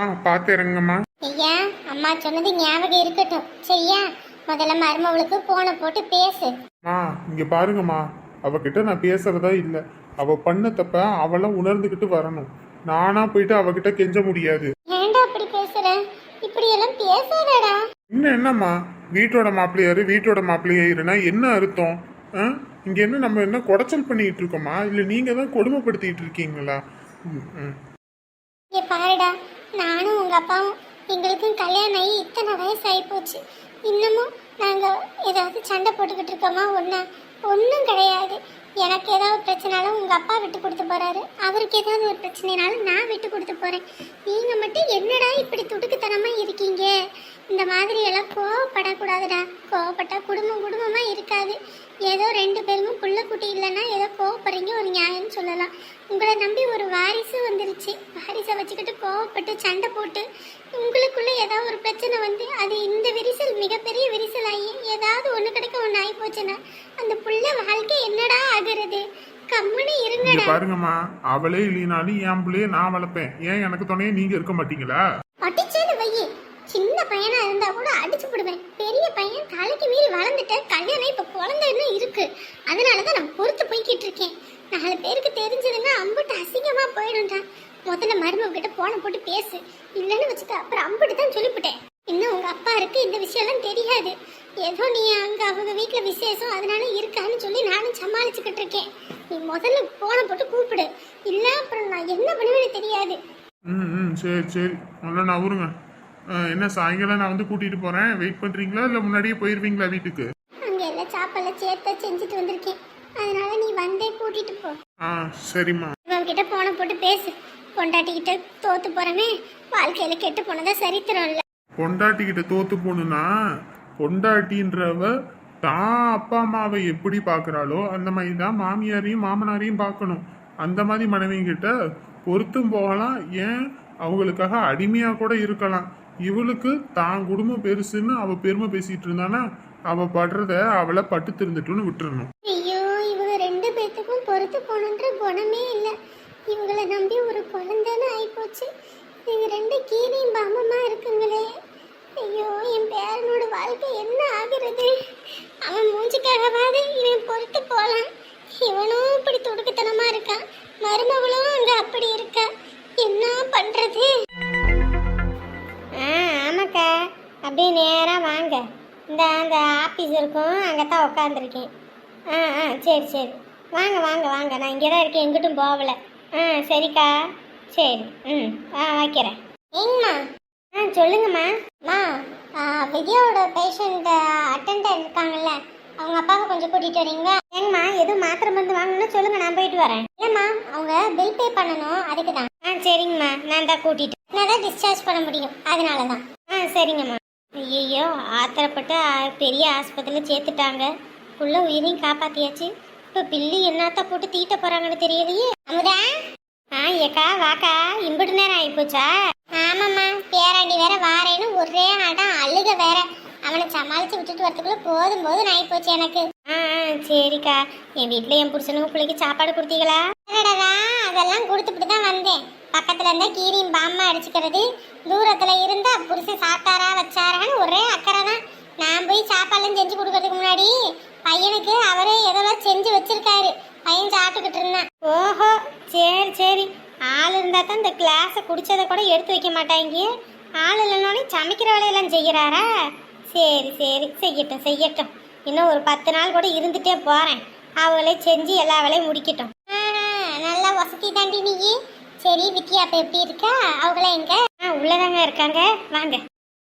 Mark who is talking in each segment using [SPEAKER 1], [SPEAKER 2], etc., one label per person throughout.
[SPEAKER 1] பார்த்து இறங்குங்கம்மா.
[SPEAKER 2] ஐயா, அம்மா சொன்னது ஞாபகம் இருக்கட்டும் சரியா? முதல்ல மருமவளுக்கு போனை போட்டு பேசு.
[SPEAKER 1] இங்க பாருங்கம்மா, அவகிட்ட நான் பேசுறதா இல்ல. அவ பண்ண தப்ப அவள உணர்ந்துகிட்டு வரணும். நானா போயிட்டு அவகிட்ட கெஞ்ச முடியாது.
[SPEAKER 2] ஏன்டா அப்படி பேசுற? இப்படி எல்லாம் பேசாதடா.
[SPEAKER 1] என்னம்மா, வீட்டோட மாப்பிள்ளையாரு வீட்டோட மாப்பிள்ளையாருன்னா என்ன அர்த்தம்? இங்க என்ன நம்ம என்ன குடைச்சல் பண்ணிட்டு இருக்கோமா, இல்ல நீங்க தான் கொடுமைப்படுத்திட்டு இருக்கீங்களா?
[SPEAKER 2] பாருடா, நானும் உங்க அப்பாவும் எங்களுக்கும் கல்யாணம் ஆகி இத்தனை வயசு ஆகி போச்சு. இன்னமும் நாங்க ஏதாவது சண்டை போட்டுக்கிட்டு இருக்கோமா? ஒன்றும் கிடையாது. எனக்கு ஏதாவது பிரச்சனாலும் உங்க அப்பா விட்டு கொடுத்து போறாரு, அவருக்கு ஏதாவது ஒரு பிரச்சனைனாலும் நான் விட்டு கொடுத்து போறேன். நீங்க மட்டும் என்னடா இப்படி துடுக்குத்தனமா இருக்கீங்க? இந்த மாதிரி எல்லாம் கோவப்படக்கூடாதுடா. கோவப்பட்டா குடும்பமா இருக்காது. ஏதோ 2 பேருக்கும் புள்ள குட்டி இல்லைன்னா ஏதோ கோவப்படுறீங்க, ஒரு நியாயம்னு சொல்லலாம். உங்களை நம்பி ஒரு வாரிசு வந்துருச்சு. வாரிசை வச்சுக்கிட்டு கோவப்பட்டு சண்டை போட்டு உங்களுக்குள்ள ஏதாவது ஒரு பிரச்சனை வந்து அது இந்த விரிசல் மிகப்பெரிய விரிசல் ஆகி ஏதாவது ஒன்று கிடைக்க ஒன்று ஆகி போச்சுன்னா அந்த புள்ள வாழ்க்கை என்னடா ஆகுறது? கம்முன்னு இருங்கடா.
[SPEAKER 1] பாருங்கம்மா, அவளே இல்லைனாலும் என் பிள்ளைய நான் வளர்ப்பேன். ஏன் எனக்கு துணையே நீங்க இருக்க மாட்டீங்களா?
[SPEAKER 2] அடிச்சேன்னு வையே. சின்ன பையனா இருந்தா கூட அடிச்சு போடுவேன். பெரிய பையன் தலைக்கு மீறி வளர்ந்துட்ட. கல்யாணம் இப்ப குழந்தைன்னு இருக்கு. அதனாலதான் நான் பொறுத்து போய்கிட்டு இருக்கேன். 4 பேருக்கு தெரிஞ்சதுன்னா அம்புட்டு அசிங்கமா போயிடும்டா. முதல்ல மருமக கிட்ட போன போட்டு பேசு. இல்லைன்னு வச்சுக்க, அப்புறம் அம்புட்டு தான் சொல்லிவிட்டேன். இன்னும் உங்க அப்பா இருக்கு இந்த விஷயம்லாம் தெரியாது. ஏதோ நீ அங்க அவங்க வீட்டுல விசேஷம் அதனால இருக்கான்னு சொல்லி நானும் சமாளிச்சுக்கிட்டு இருக்கேன். நீ முதல்ல போன போட்டு கூப்பிடு. இல்ல அப்புறம் நான் என்ன பண்ணுவேன்னு தெரியாது.
[SPEAKER 1] சரி நல்லா நவருங்க. என்ன சாயங்காலம் நான் வந்து கூட்டிட்டு போறேன். வெயிட் பண்றீங்களா இல்ல முன்னாடியே போயிருவீங்களா வீட்டுக்கு?
[SPEAKER 2] அங்க எல்லாம் சாப்பாடுல சேர்த்து செஞ்சுட்டு வந்திருக்கேன். அதனால நீ வந்தே கூட்டிட்டு போ.
[SPEAKER 1] சரிம்மா.
[SPEAKER 2] இவங்கிட்ட போன போட்டு பேசு. பொண்டாட்டிக்கிட்ட தோத்து போறமே வாழ்க்கையில கெட்டு போனதா சரித்திரம் இல்ல.
[SPEAKER 1] பொண்டாட்டிக்கிட்ட தோத்து போகணும்னா பொண்டாட்டின்றவ தான் அப்பா அம்மாவை எப்படி பாக்குறாளோ அந்த மாதிரி தான் மாமியாரையும் மாமனாரையும் பார்க்கணும். அந்த மாதிரி மனைவிங்கிட்ட பொருத்தும் போகலாம். ஏன் அவங்களுக்காக அடிமையா கூட இருக்கலாம். இவளுக்கு தான் குடும்பம் பெருசுன்னு அவ பெருமை பேசிட்டு இருந்தானா அவ படுறத அவளை பட்டு திருந்துட்டுன்னு விட்டுறணும்.
[SPEAKER 2] ஐயோ, இவங்க 2 பேத்துக்கும் பொறுத்து போகணுன்ற குணமே இல்ல. இவங்களை நம்பி ஒரு குழந்தைன்னு ஆயிப்போச்சு. இவங்க 2 கீரியும் பாம்பமா இருக்குங்களே. ஐயோ, என் பேரனோட வாழ்க்கை என்ன ஆகுறது? அவன் மூஞ்சிக்காகவாது இவன் பொறுத்து போலாம். இவனும் இப்படி துடுக்குத்தனமா இருக்கான். மருமகளும் அங்க அப்படி இருக்கா. என்ன பண்றது? ஆமாக்கா, அப்படியே நேரா வாங்க. அந்த ஆபீஸ் இருக்கும், அங்கதான் உட்காந்துருக்கேன். சரி வாங்க வாங்க வாங்க. நான் இங்கே தான் இருக்கேன், எங்கிட்டும் போகல. சரிக்கா, சரி. வைக்கிறேன். ஏங்கம்மா? சொல்லுங்கம்மா. வித்யாவோட பேஷண்ட் அட்டெண்டர் இருக்காங்கல்ல, அவங்க அப்பாவை கொஞ்சம் கூட்டிட்டு வரீங்களா? ஏங்கம்மா, எதுவும் மாத்திரை மருந்து வாங்கணும்னு சொல்லுங்க, நான் போயிட்டு வரேன். இல்லைம்மா, அவங்க பில் பே பண்ணணும், அதுக்கு தான். சரிங்கம்மா, நான் தான் கூட்டிட்டு நான் தான் டிஸ்சார்ஜ் பண்ண முடியும், அதனால தான். சரிங்கம்மா. ஐயோ, ஆத்திரப்பட்டு பெரிய ஆஸ்பத்திரியில் சேர்த்துட்டாங்க. புள்ள உயிரையும் காப்பாத்தியாச்சு. இப்போ பில்லு என்னத்த போட்டு தீட்ட போறாங்கன்னு தெரியலையே. அமுதா, ஏக்கா வாக்கா, இம்புட்டு நேரம் ஆயிப்போச்சா? ஆமாம்மா, பேராண்டி வேற வாரேன்னு ஒரே ஆட்டம் அழுக வேற. அவனை சமாளிச்சு விட்டுட்டு வரதுக்குள்ள போதும் ஆயிப்போச்சு எனக்கு. சரிக்கா, என் வீட்டுல என் புருஷனும் பிள்ளைக்கு சாப்பாடு கொடுத்தீங்களா? அதெல்லாம் கொடுத்துட்டு தான் வந்தேன். பக்கத்துல இருந்தா கீரியும் பாம்மா அடிச்சுக்கிறது, தூரத்துல இருந்தா புருஷன் சாப்பிட்டாரா வச்சாரான்னு ஒரே அக்கறை தான். நான் போய் சாப்பாடுலாம் செஞ்சு கொடுக்கறதுக்கு முன்னாடி பையனுக்கு அவரே எதெல்லாம் செஞ்சு வச்சிருக்காரு. பையன் சாப்பிட்டுக்கிட்டு இருந்தான். ஓஹோ, சரி. ஆள் இருந்தா தான் இந்த கிளாஸை குடிச்சதை கூட எடுத்து வைக்க மாட்டாங்க. ஆள் இல்லைனாலும் சமைக்கிற வேலையெல்லாம் செய்யறாரா? சரி செய்யட்டும். இன்னும் ஒரு 10 நாள் கூட இருந்துட்டே போறேன். அவங்களே செஞ்சு எல்லா வேலையும் முடிக்கட்டும். நல்லா வசதி தாண்டி நீ. சரி, வித்யா அப்ப எப்படி இருக்கா? அவங்கள எங்க? உள்ளதாங்க இருக்காங்க, வாங்க.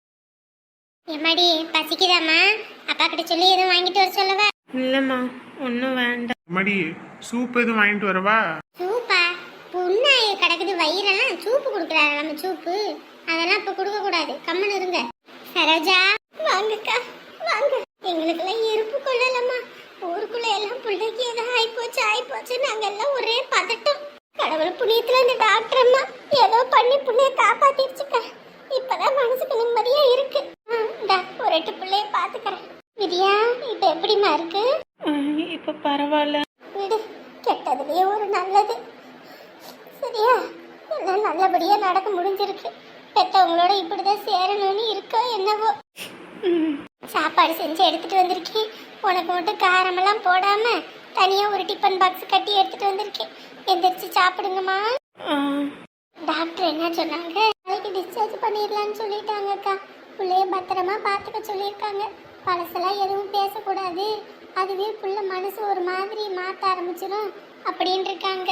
[SPEAKER 2] எம்மாடி, பசிக்குதாம்மா? அப்பா கிட்ட சொல்லி எதுவும் வாங்கிட்டு வர சொல்லவா?
[SPEAKER 1] இல்லம்மா, ஒன்றும் வேண்டாம். மடி, சூப் எதுவும் வாங்கிட்டு வரவா?
[SPEAKER 2] சூப்பா? புண்ணாயி கிடக்குது வயிறெல்லாம். சூப்பு கொடுக்குறாரு நம்ம சூப்பு. அதெல்லாம் இப்ப கொடுக்க கூடாது, கம்மன் இருங்க. சரோஜா, வாங்கக்கா வாங்க. எங்களுக்கெல்லாம் இருப்பு கொள்ளலம்மா. ஊருக்குள்ள எல்லாம் பிள்ளைக்கு ஏதோ ஆயிப்போச்சு. நாங்க எல்லாம் ஒரே பதட்டம். கடவுள் புண்ணியத்துல இந்த டாக்டர் அம்மா ஏதோ பண்ணி புள்ளைய காப்பாத்திருச்சுக்க. இப்பதான் மனசுக்கு நிம்மதியா இருக்கு. ஒரு 8 பிள்ளைய பாத்துக்கிறேன். விதியா, இப்ப எப்படிமா இருக்கு?
[SPEAKER 1] இப்ப பரவாயில்ல.
[SPEAKER 2] விடு, கெட்டதுலயே ஒரு நல்லது. சரியா, எல்லாம் நல்லபடியா நடக்க முடிஞ்சிருக்கு. பெத்தவங்களோட இப்படிதான் சேரணும்னு இருக்கோ என்னவோ. சாப்பாடு செஞ்சு எடுத்துட்டு வந்திருக்கேன். உனக்கு மட்டும் காரமெல்லாம் போடாம தனியா ஒரு டிஃபன் பாக்ஸ் கட்டி எடுத்துட்டு வந்திருக்கேன். எந்திரிச்சு சாப்பிடுங்கம்மா. டாக்டர் என்ன சொன்னாங்க? நாளைக்கு டிஸ்சார்ஜ் பண்ணிடலான்னு சொல்லிட்டாங்க அக்கா. பிள்ளைய பத்திரமா பார்த்துக்க சொல்லியிருக்காங்க. பழசெல்லாம் எதுவும் பேசக்கூடாது, அதுவே புள்ள மனசு ஒரு மாதிரி மாற்ற ஆரம்பிச்சிடும் அப்படின்னு இருக்காங்க.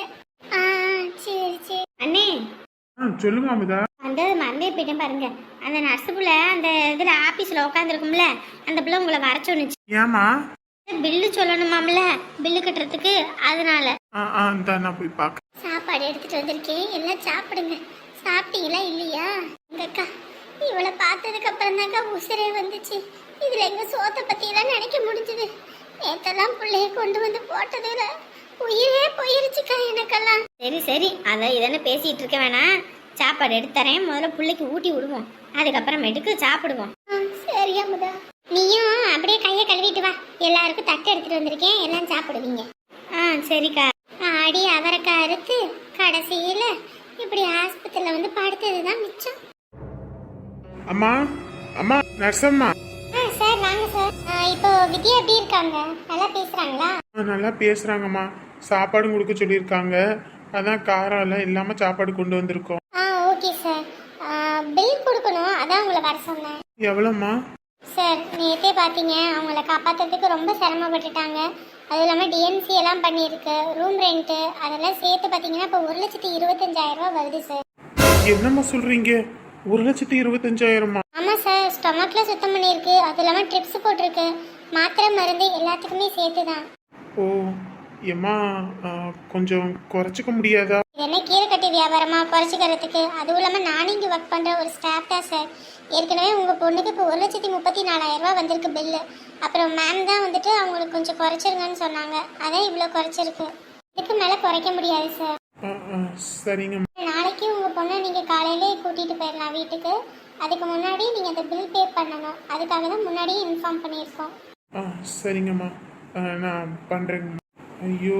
[SPEAKER 2] சரி சரி அண்ணே.
[SPEAKER 1] சொல்லுங்க அமுதா.
[SPEAKER 2] அந்த மறந்தே போயிட்டேன் பாருங்க. அந்த நர்ஸு புள்ள அந்த இதில் ஆஃபீஸில் உட்காந்துருக்கும்ல, அந்த பிள்ளை உங்களை வர சொன்னுச்சு.
[SPEAKER 1] ஏமா?
[SPEAKER 2] பில்லு சொல்லணுமாம்ல, பில்லு கட்டுறதுக்கு, அதனால.
[SPEAKER 1] நான் போய் பார்க்க.
[SPEAKER 2] சாப்பாடு எடுத்துட்டு வந்திருக்கேன், எல்லாம் சாப்பிடுங்க. சாப்பிட்டீங்களா இல்லையா? எங்கக்கா இவளை பார்த்ததுக்கு அப்புறம் தாங்க உசிரே வந்துச்சு. இதுல எங்க சோத்தை பத்தி எல்லாம் நினைக்க முடிஞ்சது. நேத்தெல்லாம் பிள்ளைய கொண்டு வந்து போட்டதுல உயிரே போயிருச்சுக்கா எனக்கெல்லாம். சரி சரி, அதை இதென்ன பேசிட்டு இருக்க வேணாம். சாப்பாடு எடுத்துறேன், முதல்ல பிள்ளைக்கு ஊட்டி விடுவோம், அதுக்கப்புறமேட்டுக்கு சாப்பிடுவோம். சரி அமுதா, நீயும் அப்படியே கையை கழுவிட்டு வா. எல்லாருக்கும் தட்டு எடுத்துட்டு வந்திருக்கேன், எல்லாம் சாப்பிடுவீங்க. சரிக்கா. ஆடி அவரைக்காய் அறுத்து கடைசியில இப்படி ஆஸ்பத்திரியில வந்து படுத்ததுதான் மிச்சம்.
[SPEAKER 1] அம்மா அம்மா, நர்சம்மா.
[SPEAKER 2] சார் வாங்க சார். இப்போ வித்யா எப்படி இருக்காங்க? நல்லா பேசுறாங்களா?
[SPEAKER 1] நல்லா பேசுறாங்கம்மா. சாப்பாடு கொடுக்க சொல்லியிருக்காங்க, அதான் காரம் எல்லாம் இல்லாம சாப்பாடு கொண்டு வந்திருக்கோம்.
[SPEAKER 2] Okay sir. பில் கொடுக்கணும், அதான் உங்களை வர சொன்னேன்.
[SPEAKER 1] எவ்வளோம்மா?
[SPEAKER 2] சார் நேற்றே பார்த்தீங்க, அவங்கள காப்பாற்றுறதுக்கு ரொம்ப சிரமப்பட்டுட்டாங்க. அதுவும் இல்லாமல் டிஎன்சி எல்லாம் பண்ணியிருக்கு, ரூம் ரெண்ட்டு அதெல்லாம் சேர்த்து பார்த்தீங்கன்னா இப்போ 1,25,000 வருது சார்.
[SPEAKER 1] என்னம்மா சொல்றீங்க? 1,25,000?
[SPEAKER 2] ஆமாம் சார், ஸ்டொமக்கில் சுத்தம் பண்ணியிருக்கு, அது இல்லாமல் ட்ரிப்ஸ் போட்டிருக்கு, மாத்திரை மருந்து எல்லாத்துக்குமே சேர்த்து தான்.
[SPEAKER 1] ஓ ஏம்மா, கொஞ்சம் குறைச்சிக்க முடியாதா?
[SPEAKER 2] என்ன கீரை கட்டி வியாபாரமா குறைச்சிக்கிறதுக்கு? அதுவும் இல்லாமல் நானும் இங்கே ஒர்க் பண்ணுற ஒரு ஸ்டாஃப் தான் சார். ஏற்கனவே உங்கள் பொண்ணுக்கு இப்போ 1,34,000 வந்திருக்கு பில்லு. அப்புறம் மேம் தான் வந்துட்டு அவங்களுக்கு கொஞ்சம் குறைச்சிருங்கன்னு சொன்னாங்க, அதான் இவ்வளோ குறைச்சிருக்கு. இதுக்கு மேலே குறைக்க முடியாது சார்.
[SPEAKER 1] சரிங்க.
[SPEAKER 2] நாளைக்கு உங்கள் பொண்ணை நீங்கள் காலையிலே கூட்டிகிட்டு போயிடலாம் வீட்டுக்கு. அதுக்கு முன்னாடி நீங்கள் அந்த பில் பே பண்ணணும், அதுக்காக தான் முன்னாடியே இன்ஃபார்ம் பண்ணியிருக்கோம்.
[SPEAKER 1] சரிங்கம்மா, நான் பண்ணுறேங்கம்மா. ஐயோ,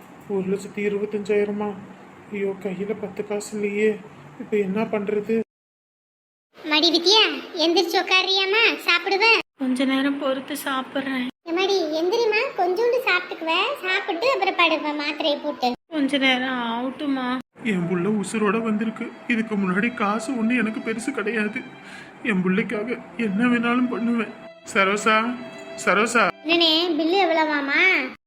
[SPEAKER 1] 1,25,000? ஐயோ, கையில் 10 காசு இல்லையே, இப்போ என்ன பண்ணுறது?
[SPEAKER 2] மடி வித்யா, எந்திரிச்சு உட்காரியாமா? சாப்பிடுவேன்.
[SPEAKER 3] கொஞ்ச நேரம் பொறுத்து சாப்பிட்றேன்.
[SPEAKER 2] மடி எந்திரிமா, கொஞ்சோண்டு சாப்பிட்டுக்குவேன், சாப்பிட்டு அப்புறம் படுவேன் மாத்திரையை போட்டு.
[SPEAKER 3] கொஞ்ச நேரம் ஆகட்டுமா?
[SPEAKER 1] என் புள்ள உசுரோட வந்திருக்கு. இதுக்கு முன்னாடி காசு ஒன்று எனக்கு பெருசு கிடையாது. என் பிள்ளைக்காக என்ன வேணாலும் பண்ணுவேன். சரோசா, சரோசா.
[SPEAKER 2] என்னண்ணே பில்லு எவ்வளவாமா?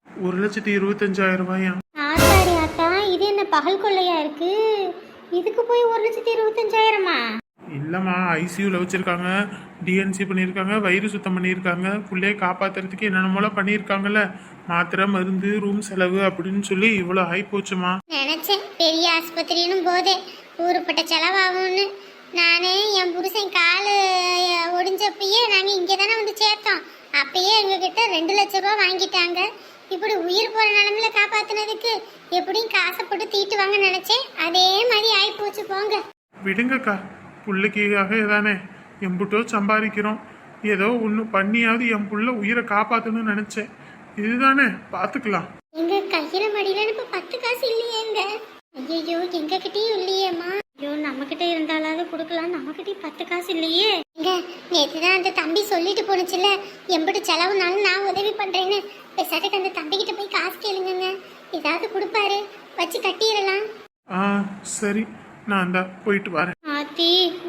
[SPEAKER 1] 1,25,000.
[SPEAKER 2] ஆத்தாடி ஆத்தா, இது என்ன பகல் கொள்ளையா இருக்கு? இதுக்கு போய் 1,25,000?
[SPEAKER 1] இல்லைம்மா, ஐசியூவில் வச்சுருக்காங்க, டிஎன்சி பண்ணியிருக்காங்க, வயிறு சுத்தம் பண்ணியிருக்காங்க, பிள்ளைய காப்பாற்றுறதுக்கு என்னென்னமோல பண்ணியிருக்காங்கல்ல, மாத்திரை மருந்து ரூம் செலவு அப்படின்னு சொல்லி இவ்வளோ ஆகிப்போச்சுமா.
[SPEAKER 2] நினைச்சேன் பெரிய ஆஸ்பத்திரின்னு போதே ஊருப்பட்ட செலவாகும்னு. நானே என் புருஷன் காலு ஒடிஞ்சப்பயே நாங்கள் இங்கே தானே வந்து சேர்த்தோம். அப்பயே எங்ககிட்ட 2 லட்ச ரூபா வாங்கிட்டாங்க. இப்படி உயிர் போகிற நிலமையில காப்பாற்றினதுக்கு எப்படியும் காசை போட்டு தீட்டுவாங்க நினச்சேன். அதே மாதிரி ஆகிப்போச்சு போங்க.
[SPEAKER 1] விடுங்கக்கா, பிள்ளைக்காக தானே எம்புட்டோ சம்பாதிக்கிறோம். ஏதோ ஒன்று பண்ணியாவது என் புள்ள உயிரை காப்பாற்றணும்னு நினச்சேன். இதுதானே, பார்த்துக்கலாம்.
[SPEAKER 2] எங்க கையில மடியில இப்ப 10 காசு இல்லையேங்க. ஐயோ, எங்க கிட்டயும் இல்லையேம்மா. ஐயோ, நம்ம கிட்ட இருந்தாலாவது கொடுக்கலாம், நம்ம கிட்ட 10 காசு இல்லையே. எங்க நேற்றுதான் அந்த தம்பி சொல்லிட்டு போனுச்சுல, எம்பிட்டு செலவுனாலும் நான் உதவி பண்றேன்னு. பெசாட்டுக்கு அந்த தம்பி கிட்ட போய் காசு கேளுங்க, ஏதாவது கொடுப்பாரு, வச்சு கட்டிடலாம்.
[SPEAKER 1] சரி, நான் தான் போயிட்டு வரேன்.
[SPEAKER 2] ஆத்தி,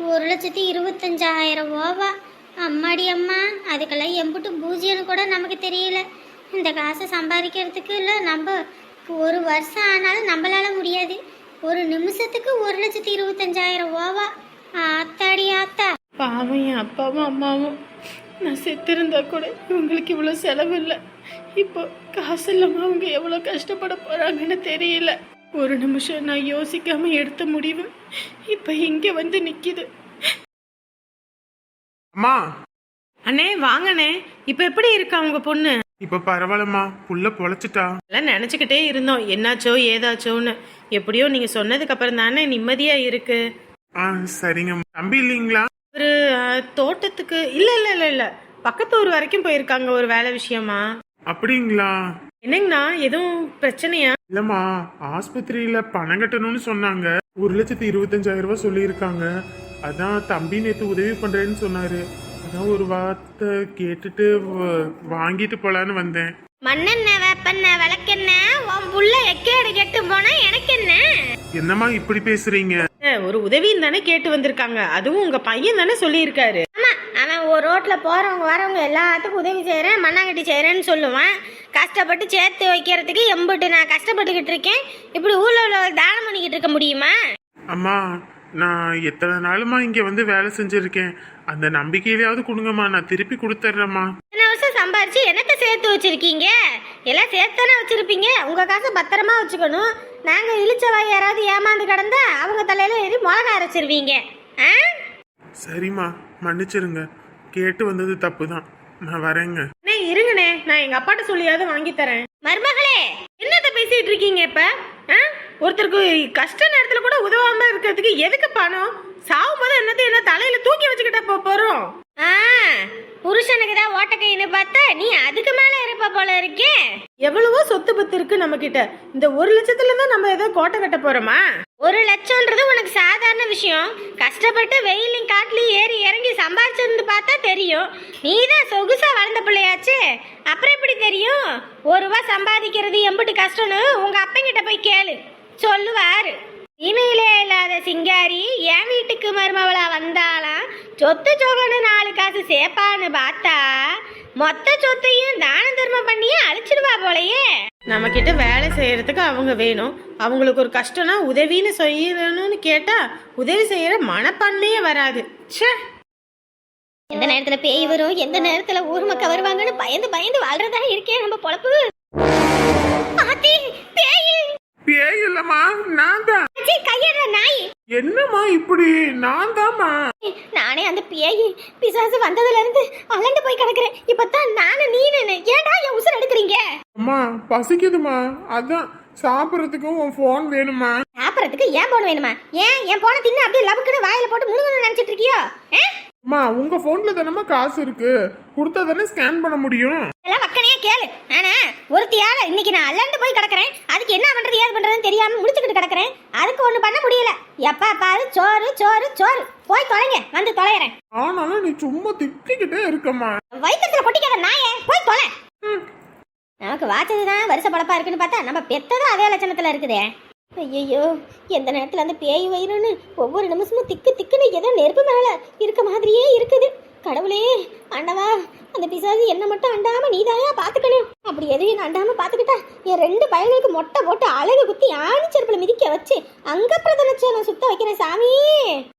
[SPEAKER 2] 1,25,000 அம்மாடி அம்மா, அதுக்கெல்லாம் எம்பிட்டு பூஜ்யம்னு கூட நமக்கு தெரியல. இந்த காசை சம்பாதிக்கிறதுக்கு இல்லை, நம்ம 1 வருஷம் ஆனாலும் நம்மளால முடியாது. ஒரு நிமிஷத்துக்கு 1,25,000. ஆத்தாடி ஆத்தா.
[SPEAKER 3] பாவம் என் அப்பாவும் அம்மாவும். நான் செத்திருந்தா கூட இவங்களுக்கு இவ்வளோ செலவு இல்லை. இப்போ காசு இல்லாமல் அவங்க எவ்வளோ கஷ்டப்பட போகிறாங்கன்னு தெரியல. ஒரு நிமிஷம் நான் யோசிக்காம எடுத்த முடிவு இப்போ இங்கே வந்து நிற்கிது.
[SPEAKER 1] அம்மா.
[SPEAKER 3] அண்ணே வாங்கண்ணே, இப்போ எப்படி இருக்கா உங்க பொண்ணு?
[SPEAKER 1] இப்போ பரவாயில்லம்மா, புள்ள பொழைச்சிட்டா.
[SPEAKER 3] எல்லாம் நினச்சிக்கிட்டே இருந்தோம் என்னாச்சோ ஏதாச்சோன்னு. எப்படியோ நீங்க சொன்னதுக்கு அப்புறம் தானே நிம்மதியா இருக்கு.
[SPEAKER 1] சரிங்க. தம்பி இல்லைங்களா?
[SPEAKER 3] ஒரு தோட்டத்துக்கு இல்ல இல்ல இல்ல இல்ல பக்கத்து ஊர் வரைக்கும் போயிருக்காங்க ஒரு வேலை விஷயமா.
[SPEAKER 1] அப்படிங்களா?
[SPEAKER 3] என்னங்கண்ணா, எதுவும் பிரச்சனையா?
[SPEAKER 1] இல்லம்மா, ஆஸ்பத்திரியில பணம் கட்டணும்னு சொன்னாங்க. 1,25,000 சொல்லியிருக்காங்க. அதான் தம்பி நேற்று உதவி பண்றேன்னு சொன்னாரு. அதான் ஒரு வார்த்தை கேட்டுட்டு வாங்கிட்டு போலான்னு வந்தேன்.
[SPEAKER 2] மண்ணெண்ண வேப்பெண்ண விளக்கெண்ண உன் புள்ள எக்கேடு கெட்டு போனா எனக்கு என்ன?
[SPEAKER 1] என்னம்மா இப்படி பேசுறீங்க?
[SPEAKER 3] ஒரு உதவின்னு தானே கேட்டு வந்திருக்காங்க, அதுவும் உங்க பையன் தானே சொல்லியிருக்காரு.
[SPEAKER 2] ஆமா, அவன் ஒரு ரோட்ல போறவங்க வரவங்க எல்லாத்துக்கும் உதவி செய்யறேன் மண்ணாங்கட்டி செய்யறேன்னு சொல்லுவான். கஷ்டப்பட்டு சேர்த்து வைக்கிறதுக்கு எம்பிட்டு நான் கஷ்டப்பட்டுக்கிட்டு இருக்கேன். இப்படி ஊர்ல உள்ள தானம் பண்ணிக்கிட்டு இருக்க முடியுமா?
[SPEAKER 1] அம்மா நான் எத்தனை நாளுமா இங்க வந்து வேலை செஞ்சிருக்கேன். அந்த நம்பிக்கையிலாவது கொடுங்கம்மா, நான் திருப்பி கொடுத்துட்றேம்மா.
[SPEAKER 2] இத்தனை வருஷம் சம்பாரிச்சு என்னத்தை சேர்த்து வச்சிருக்கீங்க? எல்லாம் சேர்த்தானே வச்சிருப்பீங்க. உங்க காசை பத்திரமா வச்சுக்கணும். நாங்க இழிச்சவாய் யாராவது ஏமாந்து கிடந்தா அவங்க தலையில ஏறி மிளகா அரைச்சிருவீங்க. ஆ?
[SPEAKER 1] சரிம்மா மன்னிச்சிருங்க, கேட்டு வந்தது தப்பு தான், நான் வரேங்க.
[SPEAKER 3] அண்ணே இருங்கண்ணே, நான் எங்க அப்பாட்ட சொல்லியாவது வாங்கி தரேன்.
[SPEAKER 2] மருமகளே,
[SPEAKER 3] என்னத்த பேசிட்டு இருக்கீங்க இப்ப? ஒருத்தருக்கு கஷ்ட நேரத்துல கூட உதவாம இருக்கிறதுக்கு எதுக்கு பணம்? சாவும் போது என்ன தலையில தூக்கி வச்சுக்கிட்டா போறோம்.
[SPEAKER 2] ஆ, புருஷனுக்கு தான் ஓட்டக்கைன்னு பார்த்தா நீ அதுக்கு மேல இருப்ப போல இருக்கே.
[SPEAKER 3] எவ்வளவோ சொத்து பத்து இருக்கு நம்ம கிட்ட. இந்த 1 லட்சத்துல தான் நம்ம ஏதோ கோட்டை கட்ட போறோமா?
[SPEAKER 2] 1 லட்சம்ன்றது உனக்கு சாதாரண விஷயம். கஷ்டப்பட்டு வெயிலையும் காட்டுலையும் ஏறி இறங்கி சம்பாதிச்சிருந்து பார்த்தா தெரியும். நீ தான் சொகுசா வளர்ந்த பிள்ளையாச்சு, அப்புறம் எப்படி தெரியும்? 1 ரூபா சம்பாதிக்கிறது எம்பிட்டு கஷ்டம்னு உங்க அப்பங்கிட்ட போய் கேளு, சொல்லுவாரு. இணையிலே இல்லாத சிங்காரி என் வீட்டுக்கு மருமவளா வந்தாலாம் சொத்து சொகன்னு 4 காசு சேப்பான்னு பார்த்தா மொத்த சொத்தையும் தான தர்மம் பண்ணியே அழிச்சிடுவா போலயே.
[SPEAKER 3] நம்ம கிட்ட வேலை செய்யறதுக்கு அவங்க வேணும். அவங்களுக்கு ஒரு கஷ்டம்னா உதவின்னு செய்யணும்னு கேட்டா உதவி செய்யற மனப்பான்மையே வராது. ச்சே,
[SPEAKER 2] எந்த நேரத்துல பேய் வரும், எந்த நேரத்துல ஊர் மக்கள் வருவாங்கன்னு பயந்து பயந்து வாழ்றதா இருக்கேன் நம்ம பொழப்பு. பாத்தி, பேய்
[SPEAKER 1] பேய் இல்லம்மா, நான் தான்.
[SPEAKER 2] கையற நாய்.
[SPEAKER 1] என்னம்மா இப்படி? நான் தாம்மா.
[SPEAKER 2] நானே அந்த பேய் பிசாசு வந்ததுல இருந்து அலண்டு போய் கிடக்குறேன். இப்பதான் நானும் நீனு ஏன்டா என் உசுர் எடுக்கிறீங்க?
[SPEAKER 1] அம்மா பசிக்குதுமா, அதான் சாப்பிட்றதுக்கு உன் ஃபோன் வேணுமா?
[SPEAKER 2] சாப்பிடறதுக்கு ஏன் போன் வேணுமா? ஏன் என் போனை தின்னு அப்படியே லபக்குன்னு வாயில போட்டு முழுங்கணும்னு நினைச்சிட்டு இருக்கியோ?
[SPEAKER 1] அம்மா உங்க போன்ல தானம்மா காசு இருக்கு, கொடுத்தா தானே ஸ்கேன் பண்ண முடியும்.
[SPEAKER 2] எல்லாம் வக்கனையே கேளு. ஆனா ஒருத்தியால இன்னைக்கு நான் அலண்டு போய் கிடக்குறேன். அதுக்கு என்ன பண்றது ஏது பண்றதுன்னு தெரியாம முடிச்சுக்கிட்டு கிடக்குறேன். அதுக்கு ஒண்ணு பண்ண முடியல. எப்பா பாரு சோறு சோறு சோறு. போய் தொலைங்க, வந்து தொலைறேன்.
[SPEAKER 1] ஆனாலும் நீ சும்மா திட்டிக்கிட்டே இருக்கம்மா.
[SPEAKER 2] வயிற்றுல கொட்டிக்காத நாயே, போய் தொலை. நமக்கு வாச்சதுதான் வருஷ பழப்பா இருக்குன்னு பார்த்தா நம்ம பெத்ததும் அதே லட்சணத்துல இருக்குதே. ஐயோ, எந்த நேரத்துல அந்த பேய் வயிறுன்னு ஒவ்வொரு நிமிஷமும் திக்கு திக்குன்னு ஏதோ நெருப்பு மேல இருக்க மாதிரியே இருக்குது. கடவுளே ஆண்டவா, அந்த பிசாசு என்ன மட்டும் அண்டாம நீதாயா பாத்துக்கணும். அப்படி எதையும் அண்டாம பாத்துக்கிட்டா என் 2 பையனுக்கு மொட்டை போட்டு அழகு குத்தி ஆணிச்செருப்புல மிதிக்க வச்சு அங்க பிரதலட்சணம் சுத்த வைக்கிறேன் சாமி.